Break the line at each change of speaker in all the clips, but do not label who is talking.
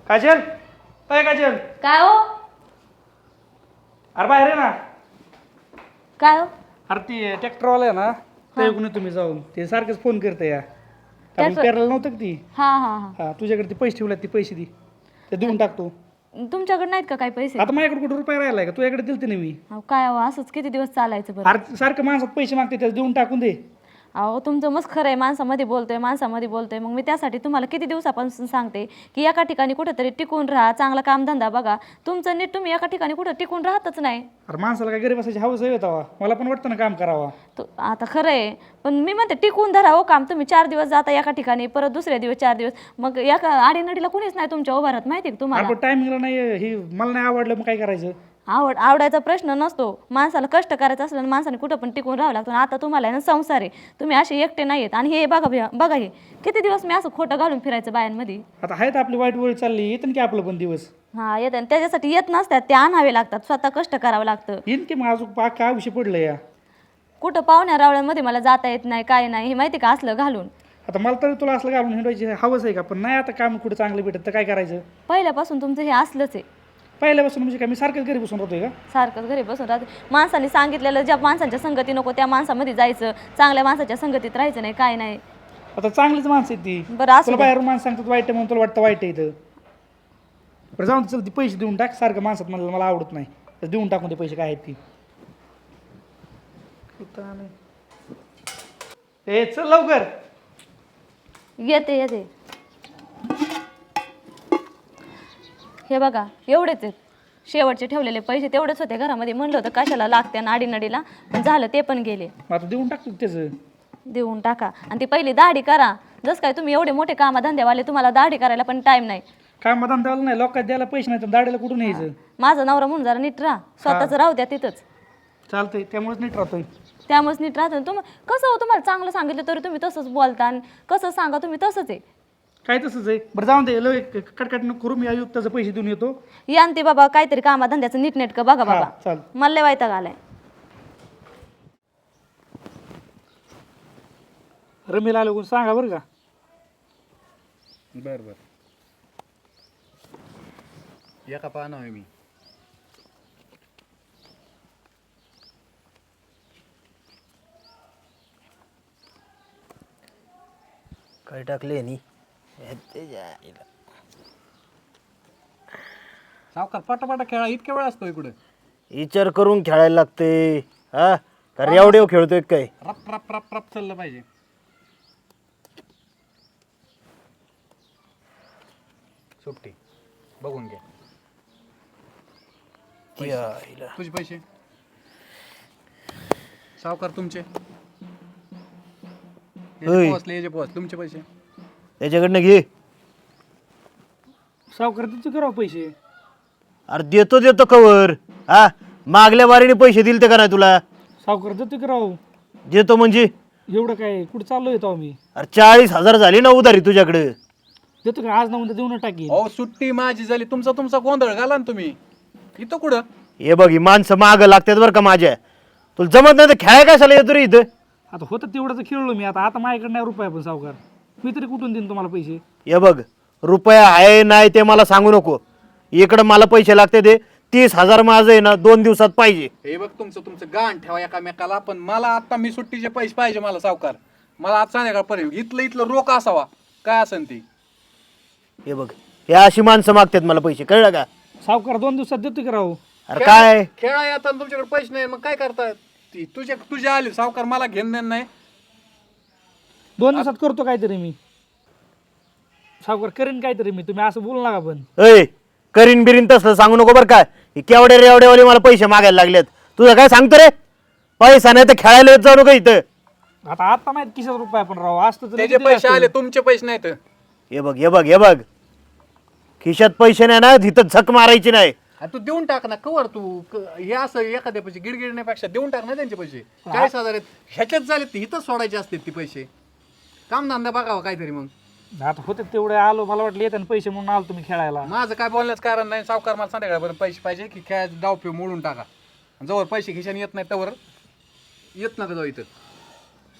काजल काय काजल
काय हो?
अरे बाहेर आहे ना.
काय हो?
अरे ती ट्रॅक्टरवाला आहे ना ते कोणी तुम्ही जाऊन ते सारखंच फोन करते या आपण
ट्रॅक्टर-
पेरायला नव्हतं का ती.
हा हा हा
हा तुझ्याकडे ते पैसे ठेवले ते पैसे दे ते देऊन टाकतो.
तुमच्याकडे नाहीत का काही पैसे?
आता माझ्याकडे कुठं रुपये राहिलाय का तुझ्याकडे दिलते ना मी.
अहो, काय हो असंच किती दिवस चालायचं बरं?
अरे सारखं माणसात पैसे मागते त्याला देऊन टाकून दे.
अहो तुमचं मस्त खरं आहे, माणसामध्ये बोलतोय मग मी त्यासाठी तुम्हाला किती दिवसापासून सांगते की एका ठिकाणी कुठेतरी टिकून राहा, चांगला कामधंदा बघा. तुमचं नीट तुम्ही एका ठिकाणी कुठं टिकून राहतच नाही.
अरे माणसाला काय गरीब असायची हवस येतावा मला पण वाटतं ना काम करावा.
आता खरं आहे पण मी म्हणते टिकून धरा हो काम. तुम्ही 4 दिवस जाता एका ठिकाणी, परत दुसऱ्या दिवस 4 दिवस, मग एका आडीनडीला कुणीच नाही तुमच्या उभारात, माहिती आहे का तुम्हाला?
आपण टायमिंगला नाही हे मला नाही आवडलं मग काय करायचं.
आवडायचा प्रश्न नसतो. माणसाला कष्ट करायचं असलं ना माणसाने कुठं पण टिकून राहावं लागतं. आता तुम्हाला आहे ना संसार आहे, तुम्ही असे एकटे नाही आहेत. आणि हे बघा हे किती दिवस मी असं खोटं घालून फिरायचं बायांमध्ये.
आता आहेत आपली वाईट वेळ चालली येतं की आपलं पण दिवस.
हा येत त्याच्यासाठी येत नसतात, ते आणावे लागतात, स्वतः कष्ट करावं लागतं.
येईन की मग अजून काय विषय पडलं या.
कुठं पाहुण्या रावळ्यांमध्ये मला जाता येत नाही, काय नाही, हे माहिती का असलं घालून.
आता मला तरी तुला असलं घालून हिंडवायची हवंच आहे का पण नाही आता काम कुठं चांगलं भेटत तर काय करायचं.
पहिल्यापासून तुमचं हे असलंच आहे.
पहिल्यापासून म्हणजे काय मी सारखंच घरी बसून राहतोय का.
सारखंच घरी बसून राहते. माणसाने सांगितलेलं ज्या माणसांच्या संगती नको त्या माणसामध्ये जायचं, चांगल्या माणसाच्या संगतीत राहायचं नाही, काय नाही.
आता चांगलीच माणसं आहेत ती.
बरं असू
तुला
दे.
बाहेरून माणसं सांगतात वाईट आहे म्हणून तुला वाटतं वाईट आहे इथं. बरं जाऊन चल ती पैसे देऊन टाक सारखं माणसात मला आवडत नाही तर देऊन टाकून ते पैसे काय आहेत ती. ए चल लवकर.
येते हे बघा एवढेच आहेत. शेवटचे ठेवलेले पैसे तेवढेच होते घरामध्ये. म्हणलं होतं कशाला लागते नाडीनडीला, पण झालं ते पण गेले.
आता देऊन टाकतो त्याचं.
देऊन टाका आणि ती पहिली दाढी करा. जसं काय तुम्ही एवढे मोठे कामधंद्यावाले, तुम्हाला दाढी करायला पण टाइम नाही.
काय मधान द्यायला नाही लोकांना द्यायला पैसे नाही तर दाढीला कुठून यायचं.
माझा नवरा म्हणून जरा नीट राहा, स्वतःच राहू द्या तिथंच.
चालतंय त्यामुळेच नीट राहतोय.
त्यामुळेच नीट राहतो. कसं हो तुम्हाला चांगलं सांगितलं तरी तुम्ही तसंच बोलता, आणि कसं सांगा तुम्ही तसंच आहे.
काय तसंच आहे. बरं जाऊन दे लय कटकट नको करू मी आयुक्ताचे पैसे देऊन येतो.
या आणि ते बाबा काहीतरी कामाधंद्याचं नीटनेटकं बघा बाबा.
चाल
मला लय वैताग आलाय.
रमीला आलो सांगा बरं का.
बर एका पाहणं आहे मी.
काय टाकले नी
सावकार पटापटा खेळा इतक्या वेळ असतो इकडे.
विचार करून खेळायला लागते. हा तर एवढे खेळतोय काय.
रप रप रप रप चाललं पाहिजे. सुट्टी बघून घ्या तुझे पैसे. सावकार तुमचे पोहोचले तुमचे पैसे
त्याच्याकडनं घे.
सावकार तिचं करावं पैसे.
अरे देतो कवर. हा मागल्या वारीने पैसे दिले ते का नाही तुला.
सावकार देतो की राव.
देतो म्हणजे
एवढं काय कुठं चाललो येतो आम्ही.
अरे 40,000 झाली ना उधारी तुझ्याकडे.
देतो का आज ना उद्या देऊन टाकी.
हो सुट्टी माझी झाली तुमचा गोंधळ घाला ना तुम्ही इथं कुठं.
हे बघ ही माणसं माग लागतात बरं का माझ्या. तुला जमत नाही तर खेळाय काय झालं येतो रे इथं.
आता होतं तेवढं तर खेळलो मी. आता माझ्याकडे नाही रुपये पण सावकार मी तरी कुठून देईन तुम्हाला पैसे.
हे बघ रुपया आहे नाही ते मला सांगू नको. इकडं मला पैसे लागते ते 30,000 माझं आहे ना 2 दिवसात पाहिजे.
हे बघ तुमचं गाण ठेवा एकामेकाला. पण मला आता मी सुट्टीचे पैसे पाहिजे मला सावकार. मला आज संध्याकाळपर्यंत इथलं रोख असावा काय असेल ती.
हे बघ हे अशी माणसं मागतात मला पैसे कळलं का.
सावकार 2 दिवसात देतो की राव.
अरे काय
खेळा येतात तुमच्याकडे पैसे नाही मग काय करतात. ती तुझे आले सावकार मला घेणं नाही.
2 दिवसात करतो काहीतरी मी. सावकार करीन काहीतरी मी. तुम्ही असं बोलू नका पण.
अय करीन बिरीन तसलं सांगू नको बरं काय. केवढे रेवडेवाले मला पैसे मागायला लागलेत. तुझं काय सांगतो रे. पैसा नाही तर खेळायला येत जाऊ नको इथं.
आता माहित किशात रुपये पण राव असतं तर
त्याचे पैसे आले तुमचे पैसे नाहीत.
हे बघ खिशात पैसे नाही ना तिथं झक मारायची नाही.
तू देऊन टाक ना कवर तू हे असं एखाद्या पैसे गिडगिडण्यापेक्षा देऊन टाक ना त्यांचे पैसे. 40,000 आहेत ह्याच्यात झाले ते इथंच सोडायचे असते ती पैसे. कामधंदा बघावा काहीतरी मग.
आता होते तेवढे आलो मला वाटलं येतात पैसे म्हणून आलो तुम्ही खेळायला.
माझं काय बोलण्याचं कारण नाही. सावकार मला संध्याकाळपर्यंत पैसे पाहिजे की काय डाव पिऊ मोडून टाका. जवळ पैसे खिशाने येत नाही त्यावर येत नका जाऊ इथं.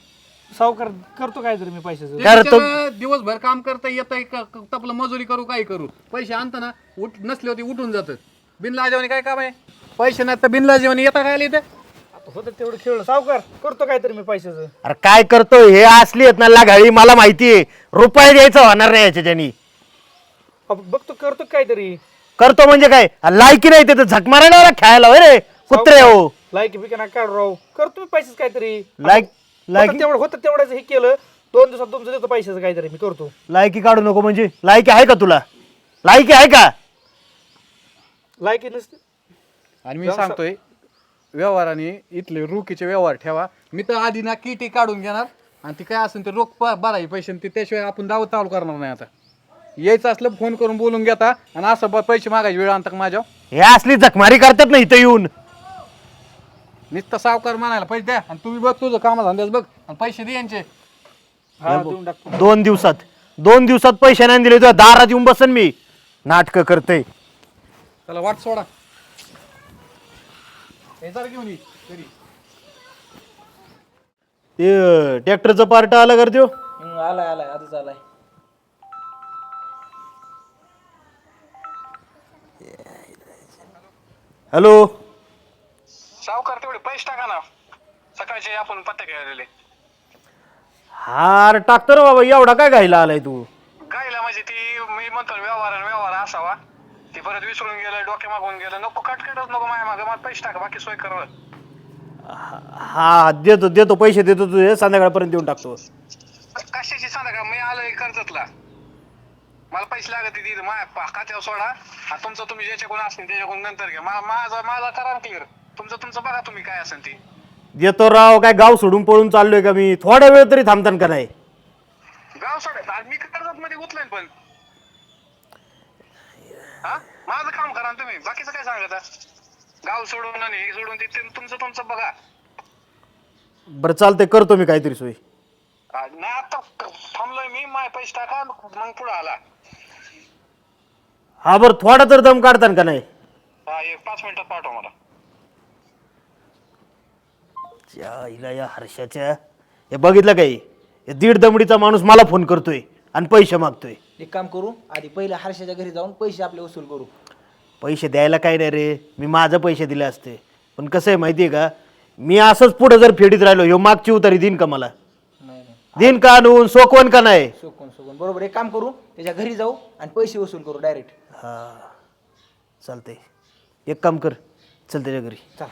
सावकार करतो काय तरी मी पैशाचं.
काय रे तो-
बिचारा दिवसभर काम करता येतंय तपलं मजुरी करू काय करू, पैसे आणताना नसले होते उठून जातात. बिनलाजेवानी काय काम आहे, पैसे नाही तर बिनलाजेवानी येता काय इथे.
आता होतं तेवढं खेळलं सावकार, करतो काय तरी मी पैशाचं.
अरे काय करतो हे असली आहेत ना लागाळी, मला माहितीये रुपये द्यायचं होणार नाही याच्यानी.
बघतो करतो काहीतरी.
करतो म्हणजे काय लायकी नाही ते झक मारायला आला खेळायला होय रे कुत्रे हो.
लायकी बिका ना काढ राव, करतो मी पैशाचं काहीतरी.
लायकी
तेवढं होतं तेवढंच हे केलं, 2 दिवसात तुमचं देतो पैशाचं काहीतरी मी करतो.
लायकी काढू नको म्हणजे लायकी आहे का तुला, लायकी आहे का?
लायकी नसते.
आणि मी सांगतोय व्यवहाराने इथले रोखीचे व्यवहार ठेवा. मी तर आधी ना किटी काढून घेणार आणि ती काय असेल ते रोख भरायचे पैसे, ते त्याशिवाय आपण दावत चालू करणार नाही. आता यायचं असलं फोन करून बोलून घेता आणि असं पैसे मागायची वेळ आणता माझ्या.
हे असली जखमारी करतात ना इथं येऊन.
नुसतं सावकार म्हणायला पैसे द्या आणि तुम्ही बघ तुझं कामाधंद्याच बघ आणि पैसे दे यांचे.
हा देऊन टाकतो.
2 दिवसात पैसे नाही दिले तुझ्या दारात येऊन बसन मी. नाटकं करते.
चला वाट सोडा, हे जरा घेऊन ये घरी.
ते ट्रॅक्टरचं पार्ट आलं कर त्यो.
आलाय आधीच आलाय.
हॅलो
सावकार तेवढे पैसे टाका ना, सकाळचे आपण पत्ते खेळलेले.
हार टाकतो रे बाबा, एवढा काय घायला आलाय तू.
गायला म्हणजे ती मी म्हणतो व्यवहार असावा, ती परत विसरून गेलं, डोके मागून गेलं. नको कटकटच नको माझ्या मागे, मला पैसे टाका, बाकी सोय कर.
हा देतो पैसे देतो तुझे, संध्याकाळपर्यंत देऊन टाकतो.
कशाची सांगा, मी आलोय कर्जतला, मला पैसे लागत तिथे माझ्या खात्यावर सोडा आणि तुमचं तुम्ही ज्याच्याकडून असेल त्याच्याकडून नंतर घ्या. माझा करा क्लिअर, तुमचं बघा तुम्ही काय असेल ती.
देतो राव, काय गाव सोडून पळून चाललोय का मी, थोड्या वेळ तरी थांबतान का नाही.
गाव सोडा, आज मी कर्जत मध्ये गुतलोय पण. हा माझं काम करा ना तुम्ही, बाकीचं काय सांगता. गाव सोडून आणि हे सोडून ते तुमचं बघा.
बरं चालतंय, करतो मी काहीतरी सोय.
नाही आता थांबलोय मी, माय पैसे टाका मग पुढे आला.
हा बरं थोडा तर दम काढतान का नाही.
हा 5 मिनिटात पाठवा मला.
या हर्षाच्या हे बघितलं काही, हे 1.5 दमडीचा माणूस मला फोन करतोय आणि पैसे मागतोय.
एक काम करू, आधी पहिल्या हर्षाच्या घरी जाऊन पैसे आपले वसूल करू.
पैसे द्यायला काय नाही रे, मी माझं पैसे दिले असते. पण कसं आहे माहिती आहे का, मी असंच पुढे जर फेडीत राहिलो, ह्यो मागची उतारी देईन का मला,
नाही
देईन का आणून, सोकवण का नाही.
सोकून बरोबर. एक काम करू, त्याच्या घरी जाऊ आणि पैसे वसूल करू डायरेक्ट.
हा चालतंय, एक काम कर, चल त्याच्या घरी.
चल.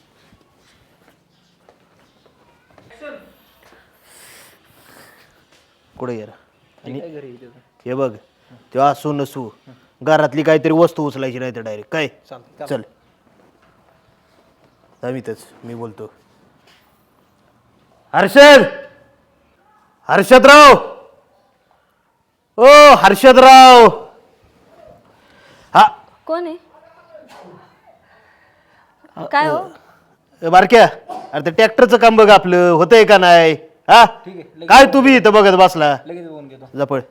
कुठे गेला आणि
काय घरी येते?
हे बघ, तेव्हा असू नसू घरातली काहीतरी वस्तू उचलायची नाही तर डायरेक्ट काय.
चालतंय.
चल अमितच मी बोलतो. हर्षदराव, ओ हर्षदराव. हा
कोण आहे? काय हो?
बारक्या, अरे ते ट्रॅक्टरचं काम बघ आपलं होतंय का नाही. हा
ठीक आहे,
काय तू बी इथं बघत बसला.
लगेच बोलून घेतो.
जपळ.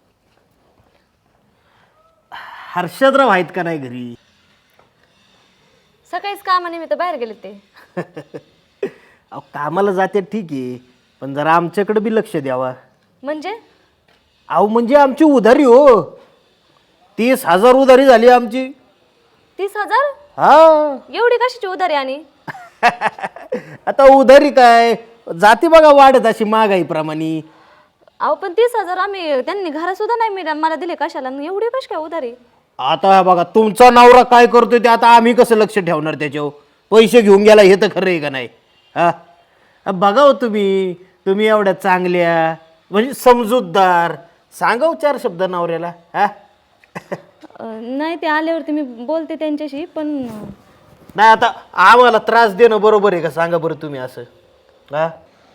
हर्षदराव आहेत का नाही घरी?
सकाळीच कामानिमित्त बाहेर गेले ते.
अहो कामाला जाते ठीक आहे, पण जरा आमच्याकडे बी लक्ष द्यावा.
म्हणजे
अहो म्हणजे आमची उधारी हो, 30,000 उधारी झाली आमची.
30,000?
हा
एवढी कशाची उधारी? आणि
आता उधारी काय जाते बघा वाढत अशी महागाईप्रमाणे.
अहो पण 30,000 आम्ही त्यांनी घरा सुद्धा नाही मला दिले, कशाला एवढी कशी काय उधारी?
आता बघा तुमचा नवरा काय करतोय ते आता आम्ही कसं लक्ष ठेवणार त्याच्यावर. पैसे घेऊन गेला हे तर खरं आहे का नाही. हा बघा हो, तुम्ही एवढ्या चांगल्या म्हणजे समजूतदार, सांगा 4 शब्द नवऱ्याला. हा
नाही, ते आल्यावरती मी बोलते त्यांच्याशी. पण
नाही आता आम्हाला त्रास देणं बरोबर आहे का सांगा बरं तुम्ही असं. हा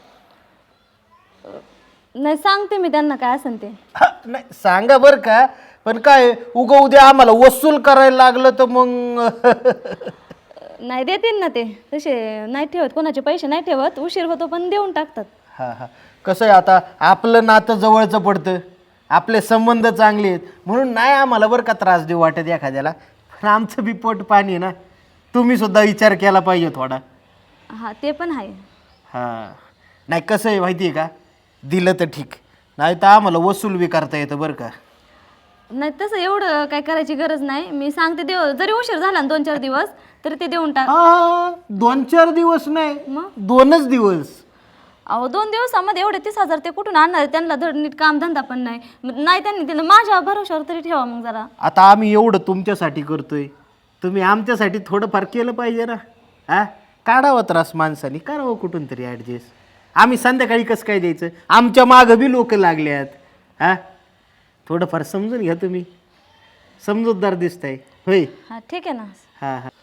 नाही, सांगते मी त्यांना काय असेल ते.
नाही सांगा बरं का, पण काय उगा उद्या आम्हाला वसूल करायला लागलं तर मग
नाही, देतील ना ते. तसे नाही ठेवत, कोणाचे पैसे नाही ठेवत, उशीर होतो पण देऊन टाकतात.
हा कसं आहे आता आपलं नातं जवळचं पडतं, आपले संबंध चांगले आहेत म्हणून नाही आम्हाला बरं का त्रास देऊ वाटत एखाद्याला. पण आमचं बी पोट पाणी आहे ना, तुम्ही सुद्धा विचार केला पाहिजे थोडा.
हा ते पण आहे.
हा नाही कसं आहे माहिती आहे का, दिलं तर ठीक, नाही तर आम्हाला वसूल बी करता येतं बरं का.
नाही तसं एवढं काय करायची गरज नाही. मी सांगते देव, जरी उशीर झाला ना 2-4 दिवस तरी ते देऊन टाक.
2-4 दिवस नाही,
मग
2च दिवस.
अहो 2 दिवसामध्ये एवढे 30,000 ते कुठून आणणार? त्यांना धड नीट काम धंदा पण नाही. नाही त्यांनी दिलं, माझ्या भरोशावर तरी ठेवा मग जरा.
आता आम्ही एवढं तुमच्यासाठी करतोय, तुम्ही आमच्यासाठी थोडंफार केलं पाहिजे ना. हा, काढावं त्रास माणसाने, करावं कुठून तरी ॲडजस्ट. आम्ही संध्याकाळी कसं काय द्यायचं? आमच्या मागं बी लोक लागल्यात. हा, थोडंफार समजून घ्या तुम्ही, समजूतदार दिसताय होय.
हा ठीक आहे ना.
हां हां.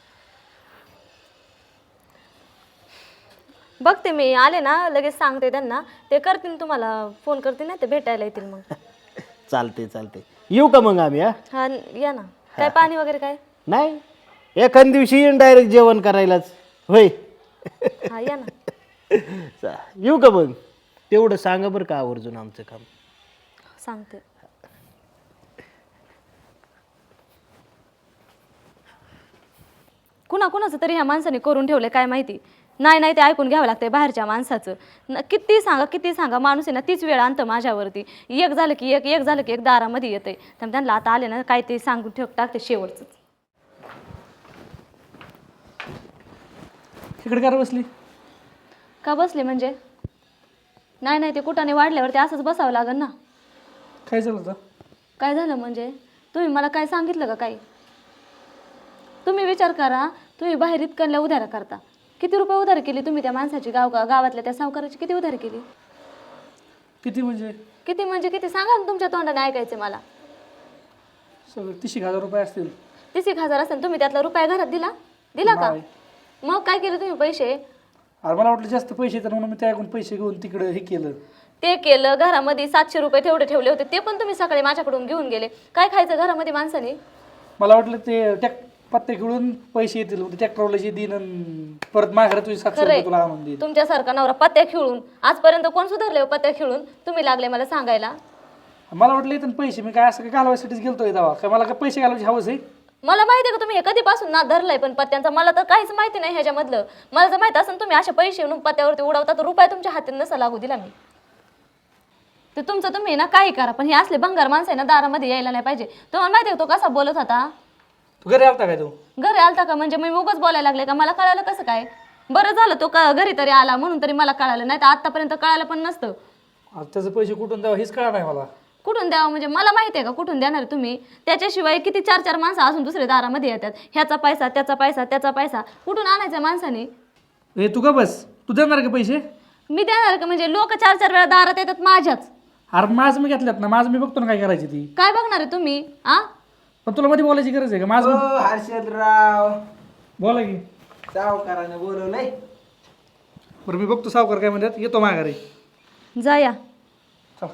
बघते मी, आले ना लगेच सांगते त्यांना, ते करतील तुम्हाला फोन करतील ना, ते भेटायला येतील मग.
चालते चालते, येऊ का मग आम्ही?
हा या ना. काय पाणी वगैरे काय?
नाही, एखाद दिवशी येईन डायरेक्ट जेवण करायलाच होय.
हा या ना.
येऊ का मग? तेवढं सांगा बरं का आवर्जून आमचं काम.
सांगते. कुणाचं तरी ह्या माणसाने करून ठेवले काय माहिती. नाही ते ऐकून घ्यावं लागतंय बाहेरच्या माणसाचं. किती सांगा माणूस आहे ना तीच वेळ आणतं माझ्यावरती. एक झालं की एक दारामध्ये येतंय. तर त्यांना आता आले ना काय ते सांगून टाकते शेवटचं.
इकडे काय बसली?
का बसले म्हणजे? नाही ते कुठाने वाढल्यावरती असंच बसावं लागेल ना.
काय झालं होतं?
काय झालं म्हणजे? तुम्ही मला काय सांगितलं का काही? तुम्ही विचार करा, तुम्ही बाहेर इतकल्या उधार करता. किती रुपये उधार केली तुम्ही त्या माणसाची? गावातल्या त्या सावकाराची किती उधार केली?
किती म्हणजे?
किती सांगा ना, तुमच्या तोंडाने ऐकायचे मला.
सगळं 30,000 रुपये असतील.
30,000 असेल, तुम्ही त्यातला रुपया घरात दिला का? मग काय केलं तुम्ही पैसे?
अरे मला वाटलं जास्त पैसे तर म्हणून मी त्याकडून पैसे घेऊन तिकडे हे केलं.
ते केलं. घरामध्ये 700 रुपये तेवढे ठेवले होते, ते पण तुम्ही सकाळी माझ्याकडून घेऊन गेले. काय खायचं घरामध्ये माणसाने?
मला वाटलं ते पत्ते खेळून पैसे येतील, ट्रॅक्टरला जे देईन आणि परत माझ्याकडे तुझे 700 रुपये तुला आणून देईल.
तुमच्यासारखा नवरा पत्त्या खेळून आजपर्यंत कोण सुधारले हो? पत्त्या खेळून तुम्ही लागले मला सांगायला.
मला वाटलं इथून पैसे मी काय असं काय घालवायसाठीच गेलतोय दावा, काय मला काय पैसे घालवायची हवंच आहे?
मला माहिती आहे का तुम्ही हे कधीपासून ना धरलाय पण पत्त्यांचा? मला तर काहीच माहिती नाही ह्याच्यामधलं. मला जर माहिती असेल तुम्ही असे पैसे येऊन पत्त्यावरती उडवता तर रुपये तुमच्या हाती नसा लागू दिला मी. ते तुमचं तुम्ही ना काही करा, पण हे असले भंगार माणसं आहे ना दारामध्ये यायला नाही पाहिजे. तुम्हाला माहिती आहे तो कसा बोलत होता?
तू घरी आलता काय? तू
घरी आलता का म्हणजे मी उगाच बोलायला लागले का? मला कळालं कसं काय? बरं झालं तो घरी तरी आला म्हणून तरी मला कळालं, नाही तर आतापर्यंत कळालं पण नसतं.
आता त्याचे पैसे कुठून द्यावं हेच कळा नाही मला.
कुठून द्यावं म्हणजे मला माहिती आहे का कुठून देणार तुम्ही? त्याच्याशिवाय किती 4 माणसं असून दुसरे दारामध्ये येतात. ह्याचा पैसा त्याचा पैसा कुठून आणायचा माणसाने?
हे तू का बस, तू देणार का पैसे?
मी देणार का म्हणजे? लोक 4 वेळा दारात येतात माझ्याच.
अरे माझं मी घेतल्यात ना, माझं मी बघतो ना काय करायची ती.
काय बघणार आहे तुम्ही? आ
पण तुला मध्ये बोलायची गरज आहे का? माझं
हर्षदराव,
बोला की.
सावकाराने बोलवलंय.
बरं मी बघतो सावकार काय म्हणतात, येतो माघारी.
जा या.
चला.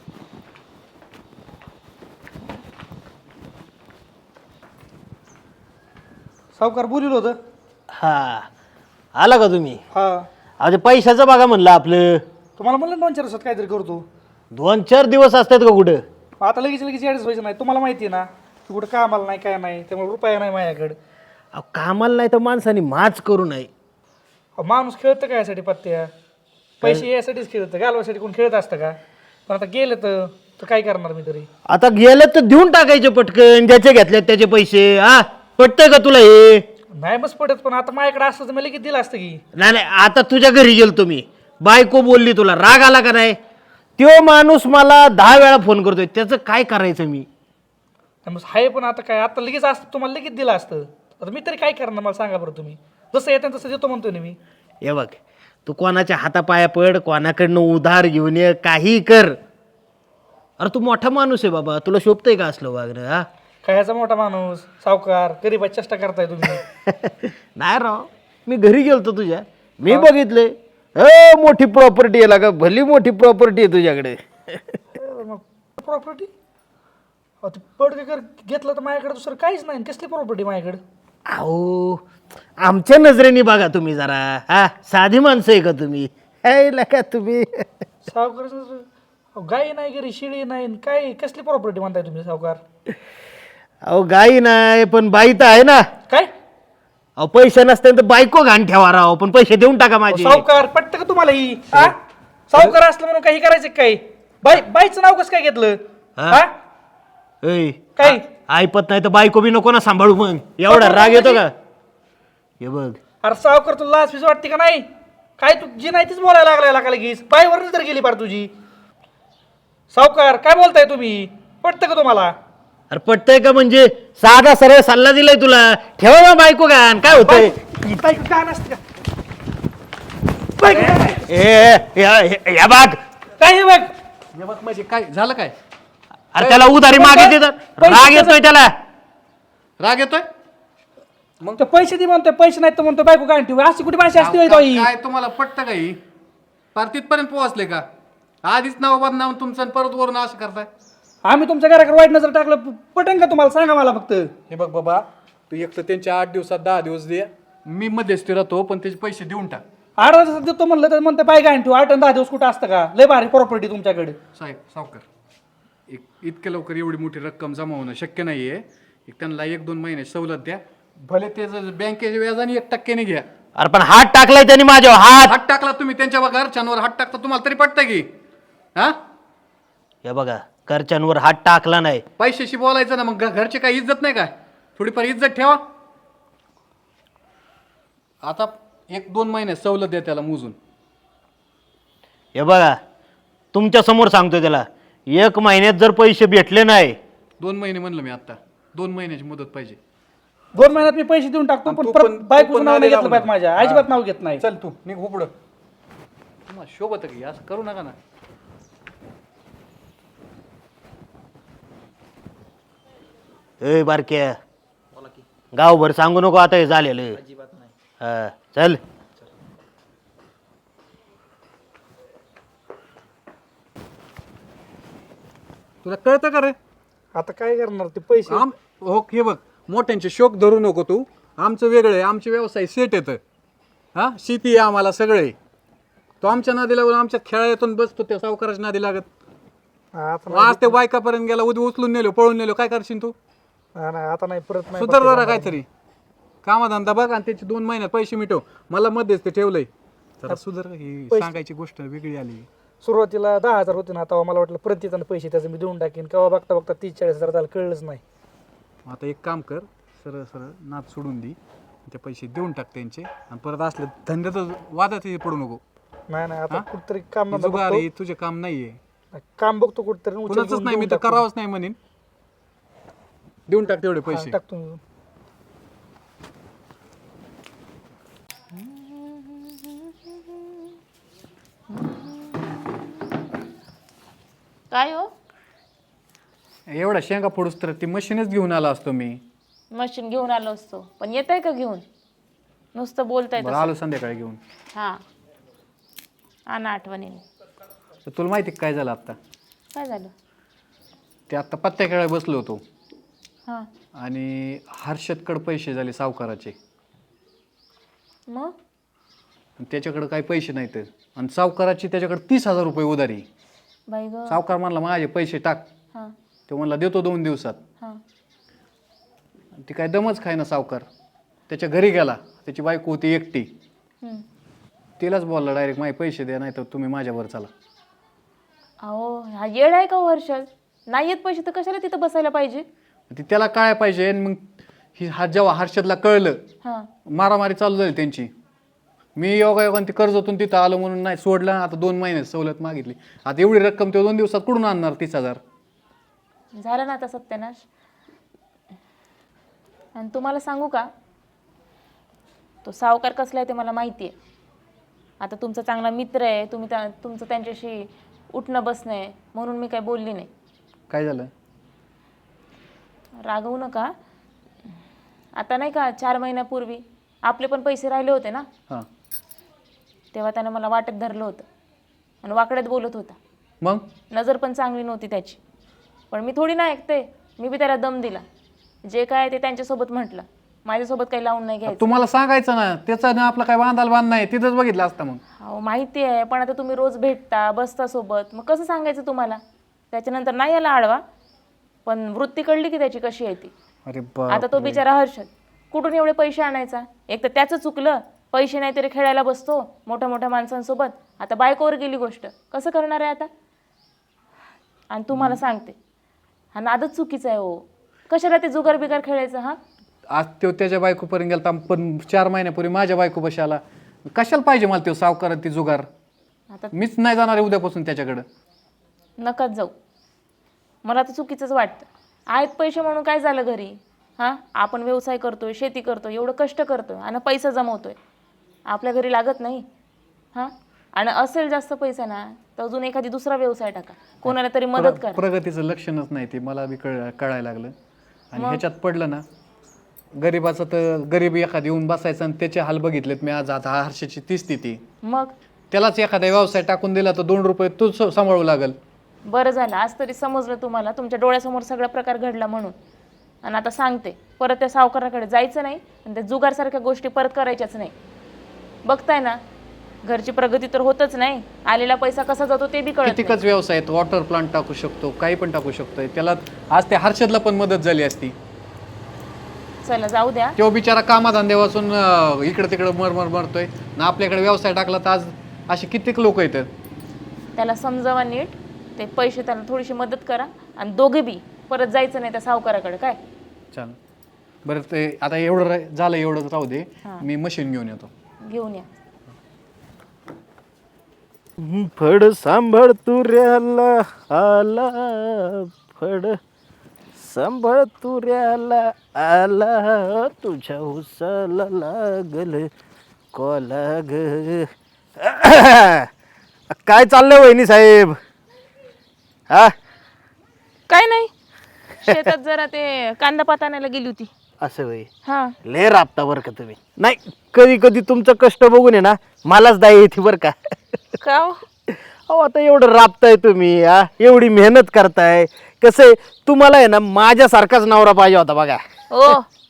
सावकार बोलिलं होतं.
हा, आला का तुम्ही?
हा,
अरे पैशाचं बघा म्हणलं आपलं.
तुम्हाला म्हणलं 2-4 दिवसात काहीतरी करतो.
2-4 दिवस असतात का कुठं?
आता लगेच ॲडजस्ट व्हायचं नाही. तुम्हाला माहिती आहे ना तू कुठं कामाला नाही काय नाही, त्यामुळे रुपया नाही माझ्याकडे.
अहो, कामाला नाही तर माणसाने माच करू नये.
माणूस खेळतं काय यासाठी पत्त्या? पैसे यासाठीच खेळतं, घालवासाठी कोण खेळत असतं का? पण आता गेलं तर काय करणार मी तरी?
आता गेलं तर देऊन टाकायचे पटकन, ज्याचे घेतल्यात त्याचे पैसे. हा, पटतंय का तुला हे?
नाही बस पडत, पण आता माझ्याकडे असतं तर मी लगेच दिलं असतं की.
नाही आता तुझ्या घरी गेलतो मी, बायको बोलली, तुला राग आला का नाही? तो माणूस मला 10 वेळा फोन करतोय, त्याचं काय करायचं मी?
मग आहे पण आता काय, आता लगेच असतं तुम्हाला लगेच दिलं असतं. आता मी तरी काय करणार मला सांगा बरं तुम्ही. जसं येतं तसं देतो म्हणतोय ना मी.
हे बघ, तू कोणाच्या हातापाया पड, कोणाकडनं उधार घेऊन ये, काही कर. अरे तू मोठा माणूस आहे बाबा, तुला शोभतंय का असलं वागणं? हा,
काय ह्याचा मोठा माणूस सावकार गरीबाची चेष्टा करताय तुम्ही.
नाही राव, मी घरी गेलतो तुझ्या, मी बघितलंय. मोठी प्रॉपर्टी आहे का? भली मोठी प्रॉपर्टी आहे तुझ्याकडे.
प्रॉपर्टी पडकर घेतलं तर माझ्याकडे दुसरं काहीच नाही. कसली प्रॉपर्टी माझ्याकडे?
अहो, आमच्या नजरेने बघा तुम्ही जरा. हा, साधी माणसं आहे का तुम्ही? का तुम्ही
सावकार गाई नाही घरी, शिळी नाही, काय कसली प्रॉपर्टी म्हणताय तुम्ही सावकार?
अहो, गाई नाही पण बाई तर आहे ना.
काय?
अहो, पैसे नसते तर बायको घाण ठेवा राव, पण पैसे देऊन टाका माझे.
सावकार पटतं का तुम्हाला ही? सावकार असलं म्हणून काही करायचं काही बाईचं नाव कसं काय घेतलं
हा?
हा
ऐ
काय
ऐपत नाही तर बायको बी नको ना सांभाळू मग एवढा राग येतो का हे बघ
अरे सावकार तुला लाच फीस वाटते का नाही काय तू जी नाही तीच बोलायला लागलाय का लगेच बाईवरच तर गेली पार तुझी सावकार काय बोलताय तुम्ही पटतं का तुम्हाला
अरे पटतंय का म्हणजे साधा सरळ सल्ला दिलाय तुला ठेवा ना बायको गान काय होतंय
बायको का नसते का बायको का नाही?
या बाग
काय हे बघ
हे बघ म्हणजे काय झालं काय
अरे त्याला उधारी मागे राग येतोय त्याला
राग येतोय
मग तो पैसे दे म्हणतोय पैसे नाही तर म्हणतो बायको काय ठेवू अशी कुठे भाषा असते होय ताई?
काय तुम्हाला पटतं का ही पार तिथपर्यंत पोहोचले का आधीच नाव बदनावून तुमचं आणि परत वरून असं करताय
आम्ही तुमच्या घराकडे वाईट नजर टाकलं पटेन का तुम्हाला सांगा मला फक्त
हे बघ बाबा तू एक तर त्यांच्या 8 दिवसात 10 दिवस दे मी मध्यस्थी राहतो पण त्याचे पैसे देऊन टाक
8 दिवसात देतो म्हणलं तर म्हणते बाय काय ठेवू 8 आणि 10 दिवस कुठं असतं का लय भारी प्रॉपर्टी तुमच्याकडे
साहेब सावकार इतक्या लवकर एवढी मोठी रक्कम जमा होणं शक्य नाहीये त्यांना 1-2 महिने सवलत द्या भले ते बँकेच्या व्याजाने 1% घ्या
अरे पण हात टाकलाय त्यांनी माझ्यावर
हात टाकला तुम्ही त्यांच्या घरच्यांवर हात टाकता तुम्हाला तरी पटतं की हा
हे बघा घरच्यांवर हात टाकला नाही
पैशाशी बोलायचं ना मग घरचे काय इज्जत नाही काय थोडीफार इज्जत ठेवा आता 1-2 महिने सवलत द्या त्याला मोजून
हे बघा तुमच्या समोर सांगतोय त्याला 1 महिन्यात जर पैसे भेटले नाही
2 महिने म्हणलं मी आता 2 महिन्याची मुदत पाहिजे
2 महिन्यात मी पैसे देऊन टाकतो पण परत बायकोचं नाव नाही घेतलं पाहिजे माझ्या अजिबात नाव घेत नाही
चल तू निघ हो पुढं तुम्हाला शोभत की असं करू नका ना
ए बारक्या गावभर सांगू नको आता हे झालेलं हा चल
तुला कळतं का रे
आता काय करणार ते पैसे
हो हे बघ मोठ्यांचे शोक धरू नको तू आमचं वेगळं आहे आमचे व्यवसाय सेट येतं हा शेती आहे आम्हाला सगळे तो आमच्या नादी लागून आमच्या खेळातून बसतो त्या सावकाराच्या नादी लागत आज ते बायकापर्यंत गेला उद्या उचलून नेलो पळून नेलो काय करशील तू
आता नाही परत नाही
सुधार जरा काहीतरी कामाधंदा बघ आणि त्याचे 2 महिन्यात पैसे मिटव मला मध्येच ते ठेवलंय जरा सुधार ही सांगायची गोष्ट वेगळी आली
सुरुवातीला 10,000 होते ना तेव्हा मला वाटलं प्रतिताना पैसे त्याचं मी देऊन टाकीन केव्हा बघता बघता 30-40,000 झालं कळलंच नाही
आता एक काम कर सरळ सरळ नाद सोडून दे ते पैसे देऊन टाक त्यांचे आणि परत असले धंद्यात वादात पडू नको
नाही आता कुठतरी काम
ही जुगार आहे, तुझे काम नाहीये
काम बघतो कुठतरी
कुणाचंच नाही मी तर करावंच नाही म्हणेन देऊन टाक तेवढे पैसे
टाकतो मी.
काय हो
एवढा शेंगा फोडूस तर ती मशीनच घेऊन आला असतो मी
मशीन घेऊन आलो असतो पण येत आहे का घेऊन नुसतं बोलताय
बरं, आलो संध्याकाळी घेऊन
हा आणा आठवणीने
तर तुला माहिती काय झालं आता
काय झालं
ते आता पत्त्या खेळायला बसलो होतो
हा
आणि हर्षदकडे पैसे झाले सावकाराचे
मग
आणि त्याच्याकडे काही पैसे नाहीत आणि सावकाराची त्याच्याकडे 30,000 रुपये उधारी
बाई ग
सावकार म्हणला माझे पैसे टाक
हा
तो म्हणला देतो 2 दिवसात
हा
ती काय दमच खाय ना सावकार त्याच्या घरी गेला त्याची बायको होती एकटी
हम्म.
तिलाच बोलला डायरेक्ट माझे पैसे द्या नाही तर तुम्ही माझ्यावर चला
अहो हा येड आहे का हो हर्षद नाही येत पैसे तर कशाला तिथं बसायला पाहिजे
ती त्याला काय पाहिजे आणि मग जेव्हा हर्षदला कळलं
हा
मारामारी चालू झाली त्यांची मी योगायोगाने ती कर्जातून तिथं आलो म्हणून नाही सोडलं आता 2 महिने सवलत मागितली आता एवढी रक्कम ते 2 दिवसात कुठून आणणार 30,000
झालं ना आता सत्यानाश आणि तुम्हाला सांगू का तो सावकार कसला आहे ते मला माहिती आहे आता तुमचा चांगला मित्र आहे तुम्ही तुमचं त्यांच्याशी उठणं बसणं आहे म्हणून मी काही बोलली नाही
काय झालं
रागवू नका आता नाही का 4 महिन्यापूर्वी आपले पण पैसे राहिले होते ना
हां
तेव्हा त्यानं मला वाटेत धरलं होतं आणि वाकड्यात बोलत होता
मग
नजर पण चांगली नव्हती त्याची पण मी थोडी ना ऐकते मी बी त्याला दम दिला जे काय ते त्यांच्यासोबत म्हटलं माझ्यासोबत काही लावून नाही घ्यायचं
तुम्हाला सांगायचं ना त्याचा ना आपला काय बांधाल बांध नाही तिथंच बघितलं असतं मग
हो माहिती आहे पण आता तुम्ही रोज भेटता बसता सोबत मग कसं सांगायचं तुम्हाला त्याच्यानंतर नाही याला आडवा पण वृत्ती कळली की त्याची कशी आहे ती
अरे
आता तो बिचारा हर्षद कुठून एवढे पैसे आणायचा एक तर त्याचं चुकलं
पैसे नाही तरी खेळायला बसतो मोठ्या मोठ्या माणसांसोबत. आता बायकोवर गेली गोष्ट, कसं करणार आहे आता? आणि तुम्हाला सांगते, हा नादच चुकीचा आहे हो. कशाला ते जुगार बिगार खेळायचं? हा,
आज तो त्याच्या बायकोपर्यंत गेला, पण 4 महिन्यापूर्वी माझ्या बायको बशी आला. कशाला पाहिजे मला तो सावकार ती जुगार?
आता
मीच नाही जाणार आहे उद्यापासून त्याच्याकडं.
नकाच जाऊ. मला तर चुकीचंच वाटतं. आहेत पैसे म्हणून काय झालं घरी? हां, आपण व्यवसाय करतोय, शेती करतोय, एवढं कष्ट करतोय आणि पैसा जमवतोय, आपल्या घरी लागत नाही? हां, आणि असेल जास्त पैसा ना तर अजून एखादी दुसरा व्यवसाय टाका, कोणाला तरी मदत करा.
प्रगतीचं लक्षणच नाही ते, मला बी कळायला लागलं. आणि ह्याच्यात पडलं ना, गरीबाचं तर गरीब एखादी येऊन बसायचं आणि त्याचे हाल बघितलेत मी आज. आता हर्षाची ती स्थिती,
मग
त्यालाच एखादा व्यवसाय टाकून दिला तर 2 रुपये तूच सांभाळू लागल.
बरं झालं आज तरी समजलं तुम्हाला, तुमच्या डोळ्यासमोर सगळा प्रकार घडला म्हणून. आणि आता सांगते, परत त्या सावकाराकडे जायचं नाही आणि त्या जुगारसारख्या गोष्टी परत करायच्याच नाही. बघताय ना, घरची प्रगती तर होतच नाही, आलेला पैसा कसा जातो ते बी कळत नाही.
कितीकच व्यवसाय आहेत, वॉटर प्लांट टाकू शकतो, काही पण टाकू शकतोय. त्याला आज त्या हर्षदला पण मदत झाली असती.
चला जाऊ द्या.
तो बिचारा कामाधंदे वाचून इकडे तिकडे मरतोय ना. आपल्याकडे व्यवसाय टाकला तर आज असे कित्येक लोक येतात.
त्याला समजावा नीट, ते पैसे त्याला थोडीशी मदत करा आणि दोघे बी परत जायचं नाही त्या सावकाराकडे. काय
चाल बरं, ते आता एवढं झालं, एवढंच राहू दे. मी मशीन घेऊन येतो.
घेऊन या.
फड सांभाळ तुऱ्याला आला, फड सांभाळ तुऱ्याला आला, तुझ्या उसाला लागल कोला ग. काय चाललंय वहिनी साहेब? हा,
काय नाही, शेतात जरा ते कांदा पात आणायला गेली होती.
असं वय
हा,
लय राबता बरं का तुम्ही. नाही, कधी कधी तुमचं कष्ट बघून आहे ना मलाच दाय येते बरं का.
का हो?
अहो आता एवढं राबताय तुम्ही, हा, एवढी मेहनत करताय. कसं आहे, तुम्हाला आहे ना माझ्यासारखाच नवरा पाहिजे होता बघा.
ओ,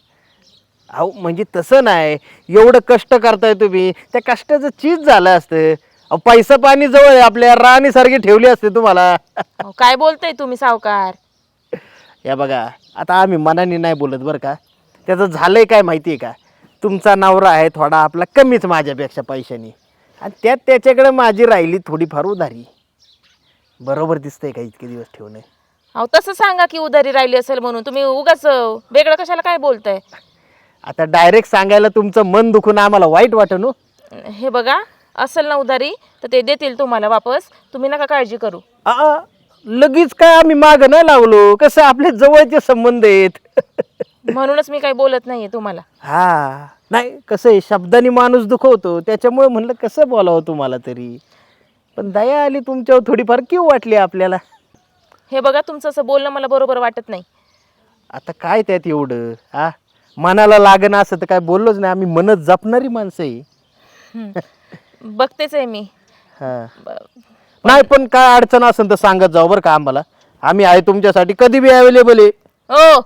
अहो म्हणजे तसं नाही, एवढं कष्ट करताय तुम्ही, त्या कष्टाचं चीज झालं असतं. अहो पैसा पाणी जवळ आहे, आपल्या राणीसारखी ठेवली असते तुम्हाला.
अहो, काय बोलताय तुम्ही सावकार?
या बघा, आता आम्ही मनाने नाही बोलत बरं का. त्याचं झालंय काय माहिती आहे का, तुमचा नवरा आहे थोडा आपला कमीच माझ्यापेक्षा पैशानी, आणि त्यात त्याच्याकडे माझी राहिली थोडीफार उधारी. बरोबर दिसतंय का इतके दिवस ठेवणे?
अहो तसं सांगा की उधारी राहिली असेल म्हणून. तुम्ही उगाच वेगळं कशाला काय बोलताय?
आता डायरेक्ट सांगायला तुमचं मन दुखून आम्हाला वाईट वाटन हो.
हे बघा, असेल ना उधारी तर ते देतील तुम्हाला वापस, तुम्ही नका काळजी करू.
लगेच काय आम्ही माग नाही लावलो, कसं आपले जवळचे संबंध आहेत.
म्हणूनच मी काही बोलत नाहीये तुम्हाला.
हा, नाही कसं आहे, शब्दांनी माणूस दुखवतो, त्याच्यामुळे म्हणलं कसं बोलावं तुम्हाला तरी. पण दया आली तुमच्यावर थोडीफार, किंवा वाटली आपल्याला.
हे बघा, तुमचं असं बोलणं मला बरोबर वाटत नाही.
आता काय त्यात एवढं, हा, मनाला लागणं असं तर काय बोललोच नाही, आम्ही मनच जपणारी माणसं आहे.
बघतेच आहे मी.
हा, नाही पण काय अडचण असेल तर सांगत जाऊ बरं का आम्हाला, आम्ही आहे तुमच्यासाठी कधी बी अवेलेबल आहे.
ओ,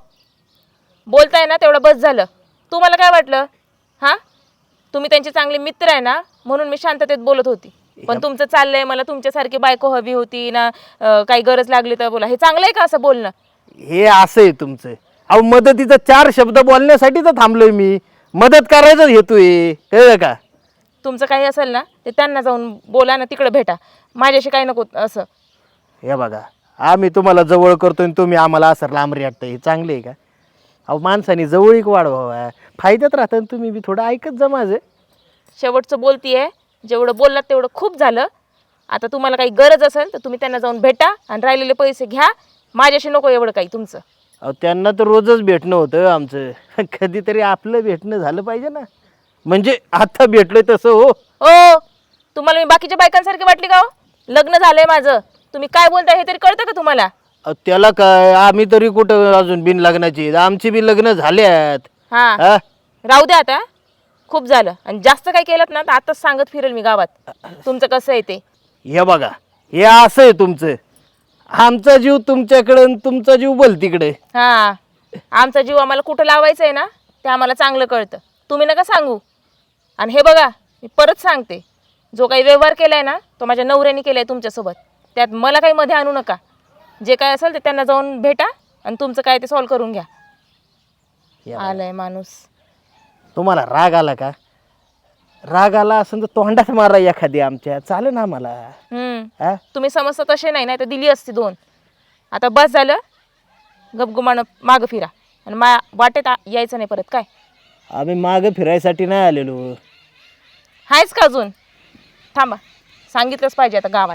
बोलताय ना तेवढं बस झालं. तुम्हाला काय वाटलं? हां, तुम्ही त्यांचे चांगले मित्र आहे ना, म्हणून मी शांततेत बोलत होती. पण तुमचं चाललंय, मला तुमच्यासारखी बायको हवी होती ना, काही गरज लागली तर बोला. हे चांगलं आहे का असं बोलणं?
हे असं आहे तुमचं. अहो मदतीचा 4 शब्द बोलण्यासाठी तर थांबलोय मी, मदत करायचं हेतूय, कळलं का?
तुमचं काही असेल ना ते त्यांना जाऊन बोला ना, तिकडे भेटा, माझ्याशी काही नको असं.
हे बघा, आम्ही तुम्हाला जवळ करतोय आणि तुम्ही आम्हाला असं लांब रेटतं, हे चांगले आहे का? अहो माणसाने जवळीक वाढवावा, फायद्यात राहतं, आणि तुम्ही बी थोडं ऐकत जा माझं.
शेवटचं बोलतीये, जेवढं बोललात तेवढं खूप झालं. आता तुम्हाला काही गरज असेल तर तुम्ही त्यांना जाऊन भेटा आणि राहिलेले पैसे घ्या, माझ्याशी नको एवढं काही तुमचं.
अहो त्यांना तर रोजच भेटणं होतं आमचं, कधीतरी आपलं भेटणं झालं पाहिजे ना. म्हणजे आता भेटलोय तसं हो.
ओ, तुम्हाला मी बाकीच्या बायकांसारखी वाटली का हो? लग्न झालंय माझं, तुम्ही काय बोलताय हे तरी कळतं का तुम्हाला?
त्याला काय, आम्ही तरी कुठं अजून बिन लग्नाची, आमची बी लग्न झाल्यात.
हां,
हा,
राहू द्या आता, खूप झालं. आणि जास्त काय केलं ना तर आताच सांगत फिरेल मी गावात तुमचं कसं आहे ते.
हे बघा, हे असं आहे तुमचं, आमचा जीव तुमच्याकडे आणि तुमचा जीव बोल तिकडे.
हां, आमचा जीव आम्हाला कुठं लावायचं आहे ना ते आम्हाला चांगलं कळतं, तुम्ही नका सांगू. आणि हे बघा, मी परत सांगते, जो काही व्यवहार केला आहे ना तो माझ्या नवऱ्याने केला आहे तुमच्यासोबत, त्यात मला काही मध्ये आणू नका. जे काय असेल ते त्यांना जाऊन भेटा आणि तुमचं काय ते सॉल्व करून घ्या. आलाय माणूस.
तुम्हाला राग आला का? राग आला असं तर तोंडात मारा एखादी आमच्या चालेल ना मला. हा
तुम्ही समजता तसे नाही तर दिली असती 2. आता बस झालं, गपगुमानं मागं फिरा आणि वाटेत यायचं नाही परत. काय
आम्ही मागं फिरायसाठी नाही आलेलो.
हायच का अजून? थांबा, सांगितलंच पाहिजे आता गावात.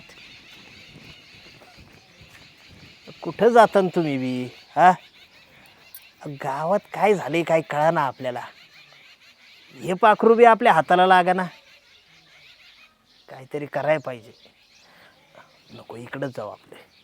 कुठं जाता न तुम्ही बी? हा गावात काय झाले काय कळा ना आपल्याला. हे पाखरू बी आपल्या हाताला लागा ना. काहीतरी करायला पाहिजे. नको इकडंच जाऊ आपले.